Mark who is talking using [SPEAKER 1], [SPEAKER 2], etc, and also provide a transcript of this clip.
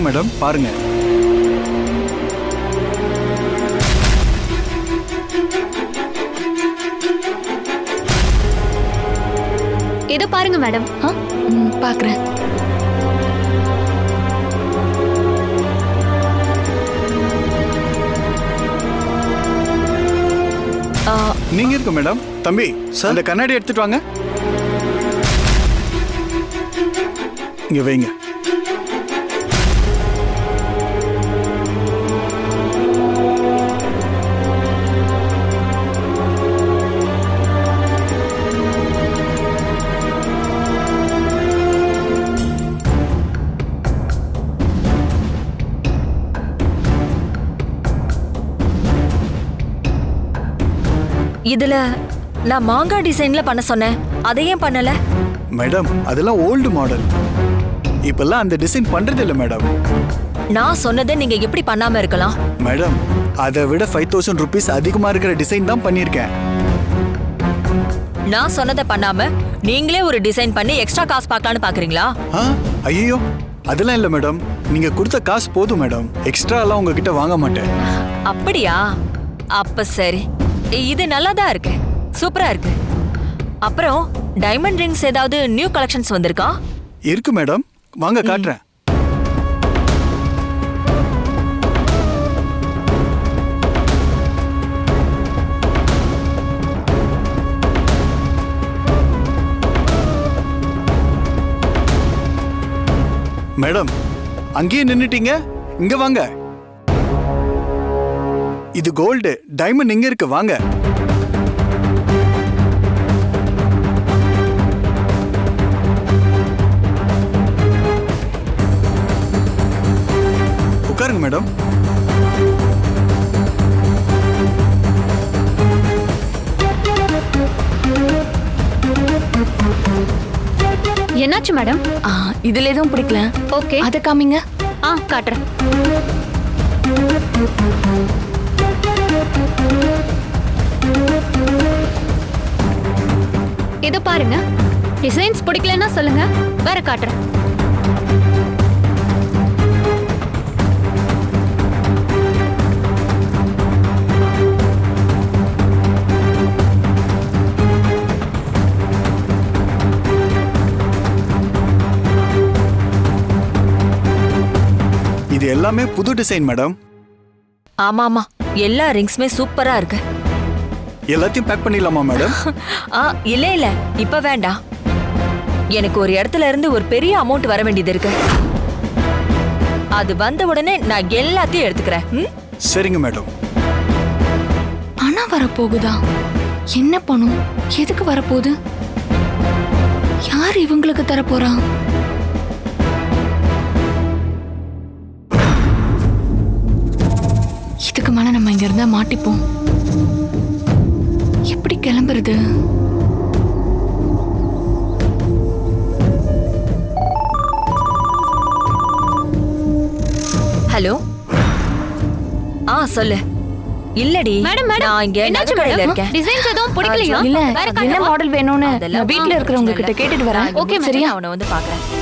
[SPEAKER 1] Madam, பாருங்க.
[SPEAKER 2] இதோ பாருங்க மேடம்.
[SPEAKER 3] பாக்குறேன்.
[SPEAKER 1] நீங்க இருக்கு மேடம். தம்பி, அந்த கண்ணாடி எடுத்துட்டு வாங்க. இங்க வைங்க.
[SPEAKER 3] இதுல நான் மாங்காய் டிசைன்ல பண்ண சொன்னேன், அதை ஏன் பண்ணல?
[SPEAKER 1] மேடம், அதெல்லாம் ஓல்டு மாடல். இப்பெல்லாம் அந்த டிசைன் பண்றது இல்ல மேடம்.
[SPEAKER 3] நான் சொன்னதை நீங்க எப்படி பண்ணாம இருக்கலாம்?
[SPEAKER 1] மேடம், அதை விட 5000 rupees அதிகமா இருக்கிற டிசைன் தான் பண்ணியிருக்கேன்.
[SPEAKER 3] நான் சொன்னதை பண்ணாம நீங்களே ஒரு டிசைன் பண்ணி எக்ஸ்ட்ரா காசு பார்க்கலான்னு பாக்குறீங்களா?
[SPEAKER 1] ஐயோ, அதெல்லாம் இல்ல மேடம். நீங்க கொடுத்த காசு போதும் மேடம். எக்ஸ்ட்ரா எல்லாம் உங்ககிட்ட வாங்க மாட்டேன்.
[SPEAKER 3] அப்படியா? அப்ப சரி, இது நல்லா தான் இருக்கு, சூப்பரா இருக்கு. அப்புறம் டைமண்ட் ரிங்ஸ் ஏதாவது நியூ கலெக்ஷன்ஸ் வந்திருக்கா?
[SPEAKER 1] இருக்கு மேடம், வாங்க காட்டுறேன். மேடம், அங்கேயே நின்னுட்டீங்க, இங்க வாங்க. இது கோல்டு, டைமண்ட் இங்க இருக்கு, வாங்க. உட்காருங்க மேடம்.
[SPEAKER 2] என்னாச்சு மேடம்?
[SPEAKER 3] இதுல எதுவும் பிடிக்கல.
[SPEAKER 2] ஓகே,
[SPEAKER 3] அத காமிங்க.
[SPEAKER 2] காட்டுறேன். இதோ பாருங்க. டிசைன்ஸ் பிடிக்கலன்னா சொல்லுங்க, வேற காட்டுறேன்.
[SPEAKER 1] இது எல்லாமே புது டிசைன் மேடம்.
[SPEAKER 3] ஆமா ஆமா, எல்லா ரிங்ஸுமே சூப்பரா இருக்கு.
[SPEAKER 1] எல்லாத்தையும் பேக் பண்ணிடலாமா மேடம்?
[SPEAKER 3] இல்ல இல்ல, இப்ப வேண்டாம். எனக்கு ஒரு இடத்துல இருந்து ஒரு பெரிய அமௌண்ட் வர வேண்டியது இருக்கு. அது வந்த உடனே நான் எல்லாத்தையும் எடுத்துக்கிறேன்.
[SPEAKER 1] சரிங்க மேடம்.
[SPEAKER 4] பணம் வரப்போகுதா? என்ன பணம்? எதுக்கு வரப்போகுது? யார் இவங்களுக்கு தரப்போறா? இதுக்கு மேல நம்ம இங்க இருந்தா மாட்டிப்போம். எப்படி கிளம்புறது?
[SPEAKER 3] ஹலோ. சொல்லு. இல்லடி
[SPEAKER 2] மேடம்,
[SPEAKER 3] நான் இங்க
[SPEAKER 2] என்னாச்சு
[SPEAKER 3] நகைக்கடையில இருக்கேன்.
[SPEAKER 2] டிசைன்ஸ் எதுவும் பிடிக்கலையா?
[SPEAKER 4] இல்ல,
[SPEAKER 2] வேற
[SPEAKER 4] என்ன மாடல் வேணும்னு நான் வீட்ல இருக்கிறவங்க கிட்ட கேட்டுட்டு வரேன்.
[SPEAKER 3] ஓகே,
[SPEAKER 4] சரியா?
[SPEAKER 3] அவனை வந்து பாக்குறேன்.